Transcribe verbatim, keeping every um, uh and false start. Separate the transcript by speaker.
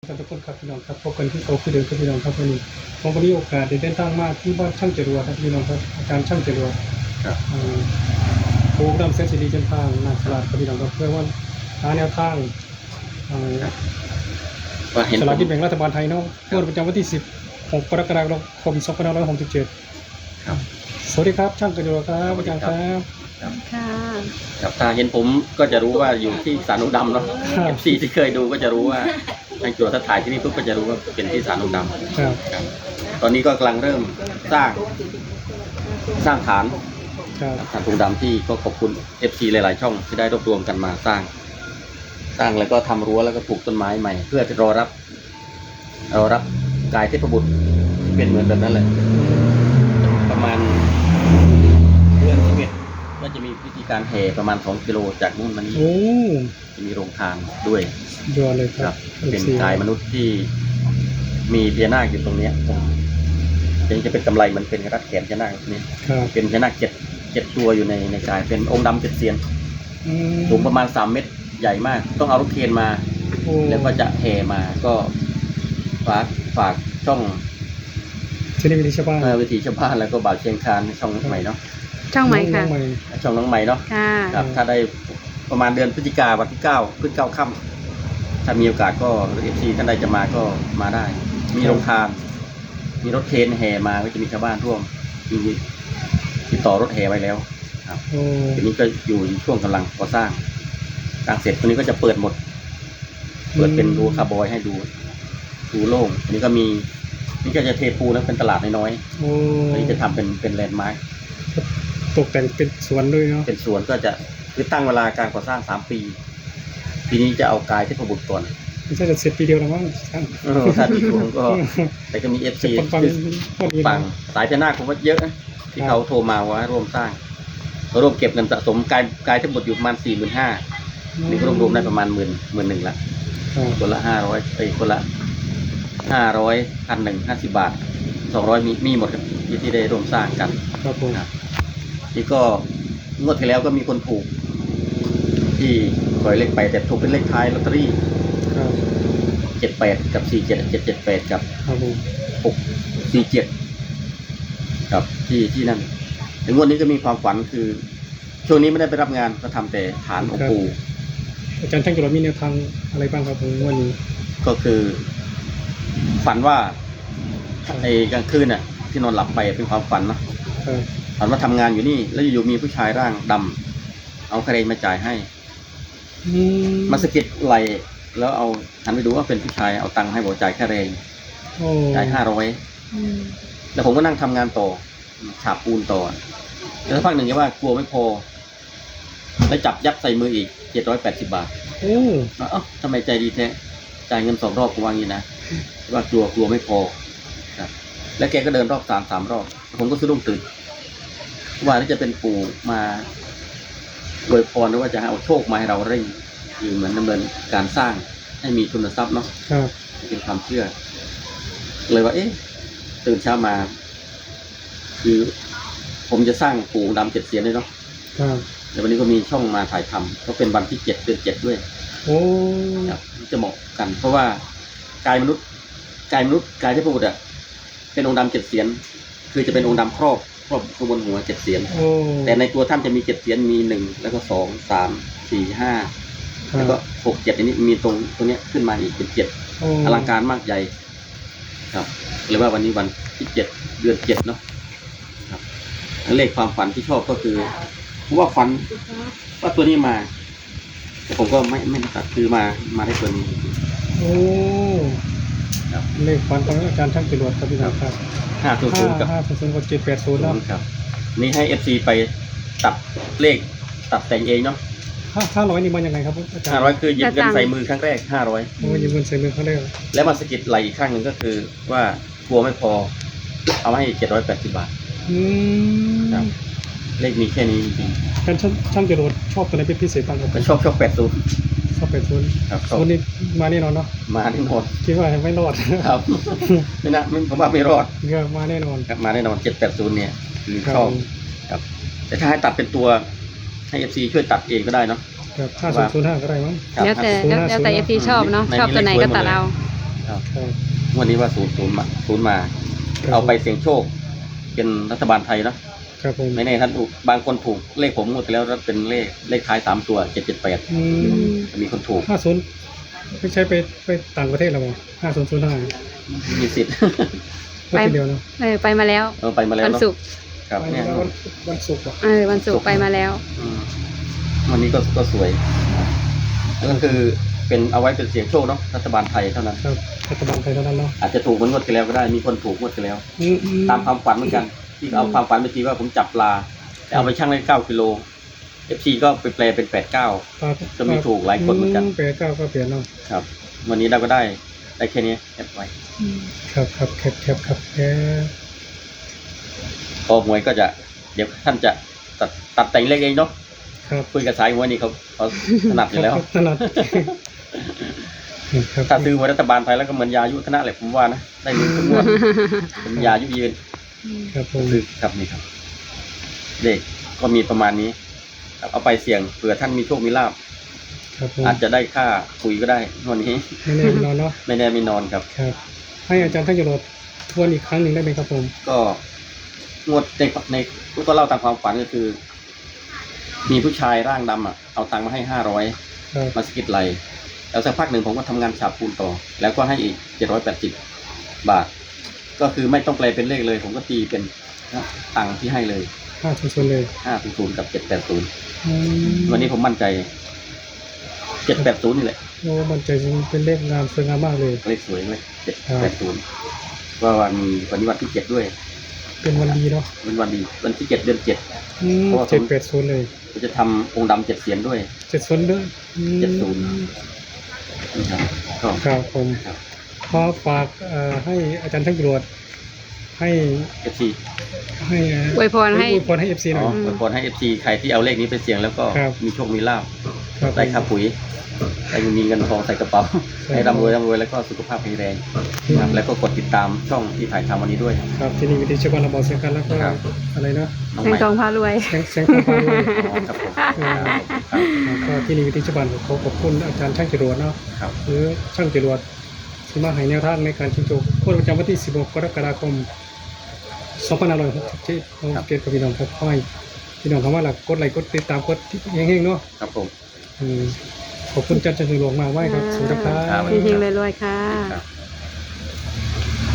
Speaker 1: กันทุกคนครับพี่น้องครับพบกันที่โอคือเดิมครับพี่น้องครับวันนี้ผมก็มีโอกาสได้เดินทางมาที่บ้านช่างจรวดครับพี่น้องครับอาจารย์ช่างจรวดครับโปรแกรมเซนซิลีจันทางนาฉลาดครับพี่น้องครับเพื่อว่าหาแนวทางฉลาดที่แบ่งรัฐบาลไทยเนาะงวดประจำวันที่สิบหกกรกฎาคมสองพันห้าร้อยหกสิบเจ็ดครับสวัสดีครับช่างจรวดครับอาจารย์ครับ
Speaker 2: ค่ะ
Speaker 3: ครับถ้าเห็นผมก็จะรู้ว่าอยู่ที่สานุดำเนาะเอฟซีที่เคยดูก็จะรู้ว่าทางจั่วถ้าถ่ายที่นี่ปุ๊บก็จะรู้ว่าเป็นที่สานุดำครับตอนนี้ก็กำลังเริ่มสร้างสร้างฐานฐานตุงดำที่ก็ขอบคุณ เอฟ ซี หลายๆช่องที่ได้รวบรวมกันมาสร้าง สร้างแล้วก็ทำรั้วแล้วก็ปลูกต้นไม้ใหม่เพื่อจะรอรับรอรับกายเทพบุตรเป็นเหมือนแบบนั้นแหละประมาณเดือนสิบเอ็ดก็จะมีพิธีการแห่ประมาณสองกิโลจากนู่นมานี่จะมีโรงทานด้วย
Speaker 1: ยอดเลยครับ
Speaker 3: เป็นกายมนุษย์ที่มีพญานาคอยู่ตรงนี้เป็นจะเป็นกำไรมันเป็นรัดแขนพญานาคนี่เป็นพญานาคเจ็ดเจ็ดตัวอยู่ในในกายเป็นองค์ดำเจ็ดเสียนสูงประมาณสามเมตรใหญ่มากต้องเอารถเคนมาแล้วก็จะแห่มาก็ฝากฝากช่อง
Speaker 1: ที่นี่วิธีชาวบ้าน
Speaker 3: วิธีชาวบ้านแล้วก็บ่าวเชียงคานช่องน้องใหม่เนาะ
Speaker 2: ช่องใหม่ค่ะ
Speaker 3: ช่องน้องใหม่เนาะครับถ้าได้ประมาณเดือนพฤศจิกาวันที่เก้าพฤศจิกาค่ำถ้ามีโอกาสก็เอฟซีท่านใดจะมาก็มาได้มีโรงทานมีรถเคนแห่มาก็จะมีชาวบ้านร่วมมีติดต่อรถแห่ไว้แล้วครับทีนี้ก็อยู่ช่วงกำลังก่อสร้างสร้างเสร็จตัวนี้ก็จะเปิดหมดเปิดเป็นรูคาร์บอยให้ดูดูโล่งอันนี้ก็มีนี่ก็จะเทปูนะเป็นตลาดน้อยๆอันนี้จะทำเป็นเป็นแลนด์มาร์ค
Speaker 1: ตกแต่งเป็นสวนด้วยเนาะ
Speaker 3: เป็นสวนก็จะคือตั้งเวลาการก่อสร้างสามปีปีนี้จะเอากายเทพบุตรก่อน
Speaker 1: ไม่ใช่จะเสร็จปีเดียวหรอมั้ง
Speaker 3: ถ้าดีกว่าก็แต่ก็มีเอฟซีปังสายพญานาคผมว่าเยอะนะที่เขาโทรมาว่าร่วมสร้างร่วมเก็บเงินสะสมกายกายเทพบุตรอยู่ประมาณสี่หมื่นห้านี่ก็รวมๆได้ประมาณหมื่นหมื่นหนึ่งละคนละห้าร้อยไปคนละห้าร้อยพันหนึ่งห้าสิบบาทสองร้อยมีมีหมดครับที่ได้ร่วมสร้างกัน
Speaker 1: ครับผม
Speaker 3: นี่ก็งวดที่แล้วก็มีคนถูกที่ปล่อยเลขไปแต่ถูกเป็นเลขท้ายลอตเตอรี่เจ็ดแปดกับสี่เจ็ดเจ็ดเจ็ดแปดกับหกสี่เจ็ดกับที่ที่นั่นแต่งวดนี้ก็มีความฝันคือช่วงนี้ไม่ได้ไปรับงานก็ทำแต่ฐานองค์ปู่
Speaker 1: อาจารย์ช่างจุฬามีแนวทางอะไรบ้างครับผมวันนี้
Speaker 3: ก็คือฝันว่าไอ้กลางคืนน่ะที่นอนหลับไปเป็นความฝันเนาะฝันว่าทำงานอยู่นี่แล้วอยู่ๆมีผู้ชายร่างดำเอาคาเรนมาจ่ายให้มาสะกิดไหลแล้วเอาหันไปดูว่าเป็นผู้ชายเอาตังค์ให้บอกจ่ายคาเรนจ่ายห้าร้อยแล้วผมก็นั่งทำงานต่อฉาบปูนต่อแล้วสักพักหนึ่งก็ว่ากลัวไม่พอแล้วจับยัดใส่มืออีกเจ็ดร้อยแปดสิบบาทเอ้าทำไมใจดีแท้จ่ายเงินสองรอบกูว่างี้นะว่ากลัวกลัวไม่พอแล้วแกก็เดินรอบสามสามรอบผมก็สะดุ้งตื่นว่านี่จะเป็นปู่มาอวยพรหรือว่าจะเอาโชคมาให้เราเร่งอยู่เหมือนดำเนินการสร้างให้มีทุนทรัพย์เนาะเป็นความเชื่อเลยว่าเอ๊ะตื่นเช้ามาคือผมจะสร้างปู่ดำเจ็ดเสียนเลยเนาะเดี๋ยววันนี้ก็มีช่องมาถ่ายทำก็เป็นวันที่เจ็ดเดือนเจ็ดด้วย
Speaker 1: โอ้
Speaker 3: จะเหมาะกันเพราะว่ากายมนุษย์กายมนุษย์กายเทพบุตรอ่ะเป็นองค์ดำเจ็ดเสียนคือจะเป็นองค์ดำครอบครอบขบวนหัวเจ็ดเสียนแต่ในตัวท่านจะมีเจ็ดเสียนมีหนึ่งแล้วก็สองสามสี่ห้าแล้วก็หกเจ็ดอันนี้มีตรงตรงนี้ขึ้นมาอีกเป็นเจ็ดอลังการมากใหญ่ครับเลยว่าวันนี้วันที่เจ็ดเดือนเจ็ดเนาะครับเลขความฝันที่ชอบก็คือเพราะว่าฝันว่าตัวนี้มาแต่ผมก็ไม่ไม่ตัดคือมามาได้ตัวนี้
Speaker 1: โอ้เลขฝันของอาจารย์ช่างจรวดครับพี่ครับ
Speaker 3: ห้าศูนย์ศูนย์กับ
Speaker 1: ห้าศูนย์ศูนย์กับเจ็ดแปดศูนย์
Speaker 3: ครับนี่ให้เอฟซีไปตัดเลขตัดแต่งเองเนาะ
Speaker 1: ห้าห้าร้อยนี่มันยังไงครับอาจารย์
Speaker 3: ห้าร้อยคือหยิบเงินใส่มือครั้งแรกห้าร้อย
Speaker 1: โอ้หยิบเงินใส่มือครั้งแรก
Speaker 3: แล้วมาสกิดไหลอีกข้างหนึ่งก็คือว่ากลัวไม่พอเอาให้เจ็ดร้อยแปดสิบบาท
Speaker 1: อืม
Speaker 3: ครับเลขมีแค่นี้จริง
Speaker 1: ๆการช่างจรวดชอบตัวไหนเป็นพิเศษบ้างครับ
Speaker 3: ชอบชอบแปดศูนย์
Speaker 1: ชอบแปดศูนย์
Speaker 3: ครับ
Speaker 1: ศูนย์นี่มาแน่นอนเนาะ
Speaker 3: มาแน่นอน
Speaker 1: คิดว่าไม่รอด
Speaker 3: ครับไม่นะผมว่าไม่รอด
Speaker 1: ก็มาแน่นอน
Speaker 3: ครับมาแน่นอนเจ็ดแปดศูนย์เนี่ยคือชอบครับแต่ถ้าให้ตัดเป็นตัวให้เอฟซีช่วยตัดเองก็ได้เนาะ
Speaker 1: ครับห้าศูนย์ศูนย์ห้าก็ได้มั้ง
Speaker 2: แล้วแต่แล้วแต่เอฟซีชอบเนาะชอบตัวไหนก็ตัดเอา
Speaker 3: ครับ
Speaker 1: ครับ
Speaker 3: วันนี้ว่าศูนย์ศูนย์มาศูนย์มา
Speaker 1: ครับ
Speaker 3: เอาไปเสี่ยงโชค เป็นรัฐบาลไทยเนาะ
Speaker 1: ครับผม
Speaker 3: ไม่แน่ท่านถูกบางคนถูกเลขผมงวดที่แล้วเป็นเลขเลขท้ายสามตัวเจ็ดเจ็ดแปด
Speaker 1: อืม
Speaker 3: มีคนถูก
Speaker 1: ห้าศูนย์ไม่ใช่ไปไปต่างประเทศหรอมั้งห้าศูนย์ศูนย์ห้า
Speaker 3: มีสิทธิ์
Speaker 1: วันเดียวเนาะ
Speaker 2: เออไปมาแล้ว
Speaker 3: เออไปมาแล้ว
Speaker 2: วัน
Speaker 3: เนาะ
Speaker 2: ศุกร์
Speaker 3: ครับเนี่ย
Speaker 1: วันวันศุกร์อ่ะ
Speaker 2: เออวันศุกร์ไปมาแล้ว
Speaker 3: อืมวันนี้ก็ก็สวยแล้วก็คือเป็นเอาไว้เป็นเสียงโชคเนาะรัฐบาลไทยเท่านั้น
Speaker 1: ครับรัฐบาลไทยเท่านั้นเนาะ
Speaker 3: อาจจะถูกเหมือนงวดที่แล้วก็ได้มีคนถูกงวดที่แล้ว
Speaker 1: อืมอื
Speaker 3: ตามความฝันเหมือนกัน ที่เอาความฝันไปทีว่าผมจับปลาแต่เอาไปชั่งได้เก้ากิโลเอฟซีก็ไปแปลเป็นแปดเก้า
Speaker 1: ปลา
Speaker 3: ก็มีถูกหลายคนเหมือนกัน
Speaker 1: แปดเก้าก็เปลี่ยนเนาะ
Speaker 3: ครับ วันนี้เราก็ได้ได้แค่นี้แอบไว้
Speaker 1: ครับครับแคบแคบครับแคบ
Speaker 3: พอหวยก็จะเดี๋ยวท่านจะตัดตัดแต่งเลขเองเนาะ
Speaker 1: ครับ
Speaker 3: คุยกับสายหวยนี่เขาเขาถนัดอยู่แล้ว
Speaker 1: ถนัดครับ
Speaker 3: ถ้าซื้อหวยรัฐบาลไทยแล้วก็เหมือนยายุคณะแหละผมว่านะได้เงินทุกงวดเป็นยายุยืน
Speaker 1: ครับผม
Speaker 3: ซื้อครับนี่ครับเด็กก็มีประมาณนี้ครับเอาไปเสี่ยงเผื่อท่านมีโชคมีลาภ
Speaker 1: ครับผม
Speaker 3: อาจจะได้ค่าคุยก็ได้วันนี้
Speaker 1: ไม่แน่นอนเนาะ
Speaker 3: ไม่แน่ไม่นอนครับ
Speaker 1: ครับ ให้อาจารย์ท่านจรดทวนอีกครั้งหนึ่งได้ไหมครับผม
Speaker 3: ก็งวดในในก็เล่าตามความฝันก็คือ มีผู้ชายร่างดำอ่ะเอาตังค์มาให้ห้าร้อย
Speaker 1: ครับ
Speaker 3: มาสะกิดไหลแล้วสักพักหนึ่งผมก็ทำงานฉาบปูนต่อ แล้วก็ให้อีกเจ็ดร้อยแปดสิบบาท ก็คือไม่ต้องแปลเป็นเลขเลย ผมก็ตีเป็นตังค์ที่ให้เลย
Speaker 1: ห้าศูนย์ศูนย์เลย
Speaker 3: ห้าศูนย์กับเจ็ดแปดศูนย์
Speaker 1: อืม
Speaker 3: วันนี้ผมมั่นใจเจ็ดแปดศูนย์นี่แหละ
Speaker 1: โอ้มันใจเป็นเลขงามสวยงามมากเลย
Speaker 3: เลขสวยเลยเจ็ดแปดศูนย์ว่าวันมีวันนี้วันที่เจ็ดด้วย
Speaker 1: เป็นวันดีเนาะ
Speaker 3: เป็นวันดีวันที่เจ็ดเดือนเจ็ด
Speaker 1: อืม
Speaker 3: เพราะว่าผม
Speaker 1: เจ็ดแปดศูนย์เลย
Speaker 3: ผมจะทำองค์ดำเจ็ดเสียนด้วย
Speaker 1: เจ็ดศูนย์ด้วยอืม
Speaker 3: เจ็ดศูนย์ นะครับก็
Speaker 1: ครับผม
Speaker 3: ครับ
Speaker 1: ขอฝากเอ่อให้อาจารย์ท่านจรดให้
Speaker 3: เอฟซี
Speaker 1: ให้
Speaker 2: อวยพรให้
Speaker 1: อวยพรให้เอฟซีหน่
Speaker 3: อ๋
Speaker 1: อ
Speaker 3: อย อวยพรให้เอฟซีใครที่เอาเลขนี้ไปเสี่ยงแล้วก็
Speaker 1: ครับ
Speaker 3: มีโชคมีลาภ
Speaker 1: ครับ
Speaker 3: ได้ค่าปุ๋ยได้มีเงินทองใส่กระเป๋า
Speaker 1: ครับ
Speaker 3: ให้ร่ำรวยร่ำรวยแล้วก็สุขภาพแข็งแรงครับแล้วก็กดติดตามช่องที่ถ่ายทำวันนี้ด้วย
Speaker 1: ครับที่นี่วิธีชาวบ้านเราบอกเสียงกันแล้วก็
Speaker 3: ครับ
Speaker 1: อะไรเนาะ
Speaker 3: น้อง
Speaker 2: แสง
Speaker 3: ใหม่
Speaker 2: ทองพารวย
Speaker 1: เสียงเสียงของฟ้าด้วย
Speaker 3: อ๋อครับผมครับ
Speaker 1: แล้วก็ที่นี่วิธีชาวบ้านขอขอบคุณอาจารย์ช่างจรวดเนาะ
Speaker 3: ครับ
Speaker 1: หรือช่างจรวดที่มาให้แนวทางในการชิงโชคงวดประจำวันที่สิบหกกรกฎาคมสองพันห้าร้อยหกสิบเจ็ดของเกตกับพี่น้องครับค่อยพี่น้องคำว่าหลักกดไลค์กดติดตามกดที่เฮงๆเนาะ
Speaker 3: ครับผม
Speaker 1: อืมขอบคุณอาจารย์จันทร์หลวงมากไว้ครับสวัสดีครั
Speaker 3: ครับ
Speaker 1: บ
Speaker 2: เฮงๆรวยๆค่ะ
Speaker 3: ครับ